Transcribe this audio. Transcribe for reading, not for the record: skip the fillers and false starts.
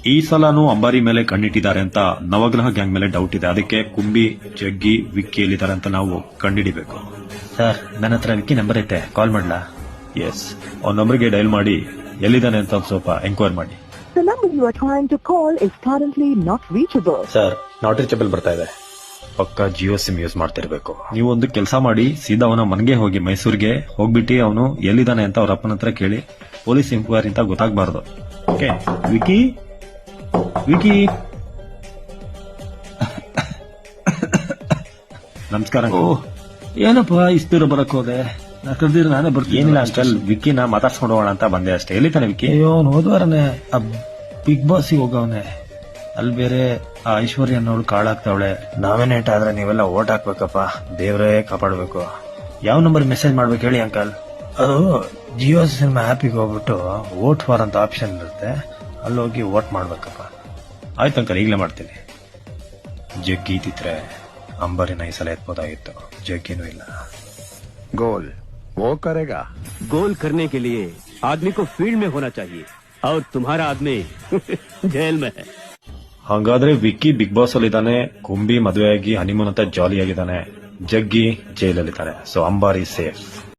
ಈ ಸಲನೂ ಅಂಬಾರಿ ಮೇಲೆ ಕಣ್ಣಿಟ್ಟಿದ್ದಾರೆ ಅಂತ ನವಗ್ರಹ ಗ್ಯಾಂಗ್ ಮೇಲೆ ಡೌಟ್ ಇದೆ. ಅದಕ್ಕೆ ಕುಂಬಿ, ಜಗ್ಗಿ, ವಿಕ್ಕಿ ಎಲ್ಲಿದ್ದಾರೆ ಅಂತ ನಾವು ಕಂಡಿಡಿಬೇಕು. ಸರ್, ನನ್ನ ಹತ್ರ ವಿಕ್ಕಿ ನಂಬರ್ ಐತೆ, ಕಾಲ್ ಮಾಡ್ಲಾ? ಎಸ್, ಅವ್ನ ನಂಬರ್ಗೆ ಡೈಲ್ ಮಾಡಿ ಎಲ್ಲಿದ್ದಾನೆ ಅಂತ ಒಂದ್ ಸ್ವಲ್ಪ ಎಂಕ್ವೈರ್ ಮಾಡಿ. The number you are trying to call is currently not reachable. Sir, not reachable ಬರ್ತಾ ಇದೆ. ಪಕ್ಕ ಜಿಯೋ ಸಿಮ್ ಯೂಸ್ ಮಾಡ್ತಿರ್ಬೇಕು. ನೀವು ಒಂದು ಕೆಲಸ ಮಾಡಿ, ಸೀದಾ ಅವನ ಮನೆಗೆ ಹೋಗಿ, ಮೈಸೂರಿಗೆ ಹೋಗ್ಬಿಟ್ಟು ಅವನು ಎಲ್ಲಿದ್ದಾನೆ ಅಂತ ಅವ್ರ ಅಪ್ಪನ ಹತ್ರ ಕೇಳಿ. ಪೊಲೀಸ್ ಎಂಕ್ವೈರಿ ಅಂತ ಗೊತ್ತಾಗಬಾರ್ದು. Okay wiki? ವಿಕಿ ನಮಸ್ಕಾರ. ಏನಪ್ಪ ಇಷ್ಟು ದೂರ ಬರಕ್ ಹೋದೆ? ನಾ ಕರೆದಿದ್ರೆ ನಾನೇ ಬರ್ತೀನಿ. ಏನಿಲ್ಲ ಅಂಕಲ್, ವಿಕಿನ ಮಾತಾಡ್ಸ್ಕೊಂಡು ಹೋಗೋಣ ಅಂತ ಬಂದೆ ಅಷ್ಟೇ. ಎಲ್ಲಿತಾನೆ ವಿಕಿ? ಅಯ್ಯೋ, ಹೋದ್ವಾರನೆ ಬಿಗ್ ಬಾಸ್ಗೆ ಹೋಗವನೆ. ಅಲ್ಲಿ ಬೇರೆ ಆ ಐಶ್ವರ್ಯ ಅನ್ನೋಳು ಕಾಳಾಗ್ತಾವಳೆ. ನಾವೇನೇಟ್ ಆದ್ರೆ ನೀವೆಲ್ಲ ಓಟ್ ಹಾಕ್ಬೇಕಪ್ಪ. ದೇವ್ರೇ ಕಾಪಾಡ್ಬೇಕು. ಯಾವ ನಂಬರ್ ಮೆಸೇಜ್ ಮಾಡ್ಬೇಕು ಹೇಳಿ ಅಂಕಲ್? ಅದು ಜಿಯೋ ಸಿನಿಮಾ ಆ್ಯಪಿಗೆ ಹೋಗ್ಬಿಟ್ಟು ವೋಟ್ ಫಾರ್ ಅಂತ ಆಪ್ಷನ್ ಇರುತ್ತೆ, ಅಲ್ಲಿ ಹೋಗಿ ವೋಟ್ ಮಾಡ್ಬೇಕಪ್ಪ. ಆಯ್ತು ಅಂಕಲ್, ಈಗಲೇ ಮಾಡ್ತೀನಿ. ಜಗ್ಗಿ ಇದ್ದಿದ್ರೆ ಅಂಬರಿನ ಈ ಸಲ ಎತ್ಬೋದಾಗಿತ್ತು. ಜಗ್ಗಿನೂ ಇಲ್ಲ. गोल वो करेगा। गोल करने के लिए आदमी को फील्ड में होना चाहिए और तुम्हारा आदमी जेल में है। ಹಾಗಾದ್ರೆ ವಿಕ್ಕಿ ಬಿಗ್ ಬಾಸ್ ಅಲ್ಲಿ ಇದ್ದಾನೆ, ಕುಂಬಿ ಮದುವೆಯಾಗಿ ಹನಿಮೂನ್ ಅಂತ ಜಾಲಿ ಆಗಿದ್ದಾನೆ, ಜಗ್ಗಿ ಜೈಲಲ್ಲಿದ್ದಾನೆ. ಸೊ ಅಂಬಾರಿ ಸೇಫ್.